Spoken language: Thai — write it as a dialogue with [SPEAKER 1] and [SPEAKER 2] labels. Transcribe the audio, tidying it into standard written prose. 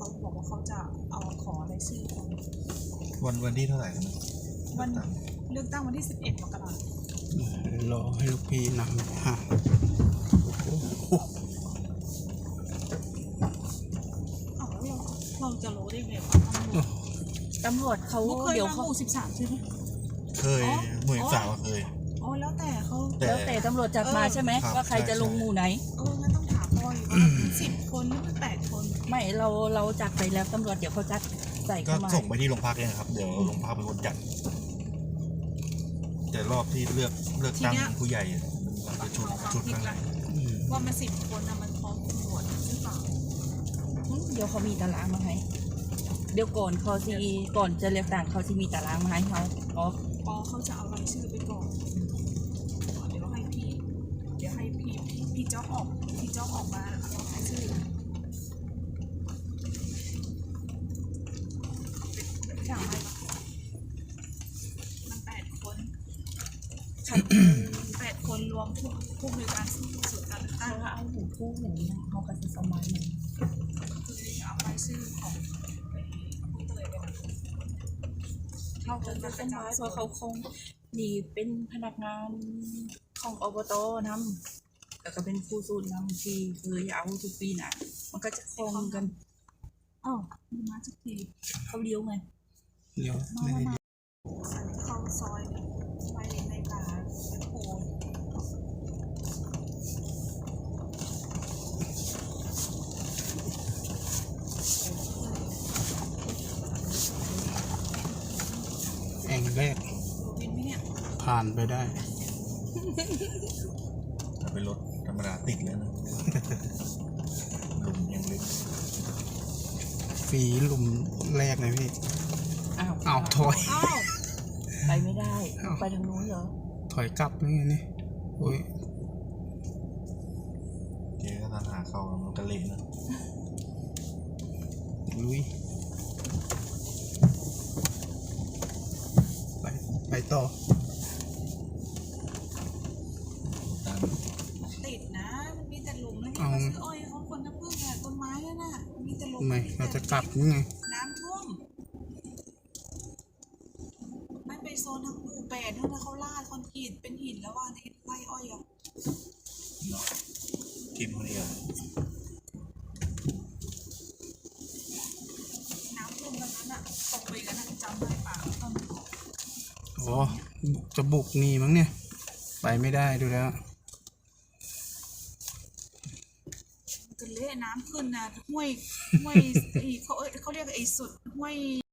[SPEAKER 1] บอกว่าเขาจะเอาขอรายชื่อคน
[SPEAKER 2] วันที่เท่าไหร่กันนะ
[SPEAKER 1] วันเลือกตั้งวันที่11 มกราคม
[SPEAKER 3] รอให้ลูกพี่นำห่าง
[SPEAKER 1] อ้าวแล้วเราจะรู้ได้ไงว่าตำรวจ
[SPEAKER 4] เขา
[SPEAKER 1] เคย
[SPEAKER 4] เดี๋ยว
[SPEAKER 1] มาห
[SPEAKER 4] เขา
[SPEAKER 1] มู่13ใช่ไหม
[SPEAKER 2] เคยหมู่สาวเคย
[SPEAKER 1] อ๋อแล้วแต่เขา
[SPEAKER 4] แล้วแต่ตำรวจจัดมาใช่ไหม
[SPEAKER 2] ครับ
[SPEAKER 4] ว่าใครจะลงหมู่ไหน
[SPEAKER 1] งั้นต้องถามพ่ออยู่ว่าเป็น10 คนหรือเป็น8 คน
[SPEAKER 4] ไม่เราจัดไปแล้วตำรวจเดี๋ยวเขาจัดใส่
[SPEAKER 2] ก็
[SPEAKER 4] เข้ามา
[SPEAKER 2] ส่งไปที่โรงพักเลยนะครับ เดี๋ยวโรงพักเป็นคนจัดแต่รอบที่เลือกตั้งผู้ใหญ่มันจะชุดข้างใน
[SPEAKER 1] ว่ามัน10 คนนะมันพร้อมตำรวจหรือเปล่า
[SPEAKER 4] เดี๋ยวเขามีตารางมาให้เดี๋ยวก่อนก่อนจะเลือกตั้งเขาจะมีตารางมาให้เขาอ๋อ
[SPEAKER 1] ปอเขาจะเอารายชื่อไปก่อนเดี๋ยวให้พี่เจ้าออกมาเอารายชื่ออย่างไรมัน8 คน8 คนรวมผู้บริการส่วนการเลือกตั้ง
[SPEAKER 4] ถ้าเอาหูคู่อย่างนี้นะเขาก็จะสมัย
[SPEAKER 1] คือเอารายชื่อของผู้เตยไป
[SPEAKER 4] เขาก็จะสมัยเพราะเขาคงนี่เป็นพนักงานของอบตนำแล้วก็เป็นผู้สูตรนำที่เคยเอาทุกปีน่ะมันก็จะคงกัน
[SPEAKER 1] อ้าวมีมาสักที
[SPEAKER 4] เขาเลี้ยวไง
[SPEAKER 3] เดี๋ยว
[SPEAKER 1] เข้าซอยไปในป่าไปโพน
[SPEAKER 3] แองแรก
[SPEAKER 1] วินไหมเนี่ย
[SPEAKER 3] ผ่านไปได้
[SPEAKER 2] ถ้าเป็นรถธรรมดาติดเลยนะ ลุมยังเล็ก
[SPEAKER 3] ฝีหลุมแรกเลยพี่
[SPEAKER 4] อ้าว
[SPEAKER 3] ถอย
[SPEAKER 1] อ้าว
[SPEAKER 4] ไปไม่ได้ไปทางนู้นเหรอ
[SPEAKER 3] ถอยกลับนี่ไงนี่โอ้ย
[SPEAKER 2] เจ๊ก็ทหารเข้ามันก็เละนะ
[SPEAKER 3] ลุยไปต่อ
[SPEAKER 2] ตาม
[SPEAKER 1] ติดนะมันมีแต่หลุมแล้วนี่เขาซื้ออ้อยเขาคนน้ำผึ้งอะต้นไม้น่ะมีแต่หลุม
[SPEAKER 3] ไม่เราจะกลับนี่ไง
[SPEAKER 1] น้ำท่วมไม่ไปโซนทางหมู่8นู่นนะเขาลาดคอนกรีตเป็นหินแล้วว่าในไร่อ้อยอะ
[SPEAKER 2] ทีมคนนี้อะ
[SPEAKER 1] น้ำท่วมกันนั้นอะตกไปกันนะจำได้ป่ะตอน
[SPEAKER 3] อ๋อจะบุกนี่มั้งเนี่ย ไปไม่ได้ดูแล้ว
[SPEAKER 1] จะเละน้ำขึ้นนะห้วยเขาเรียกไอ้สุดห้วย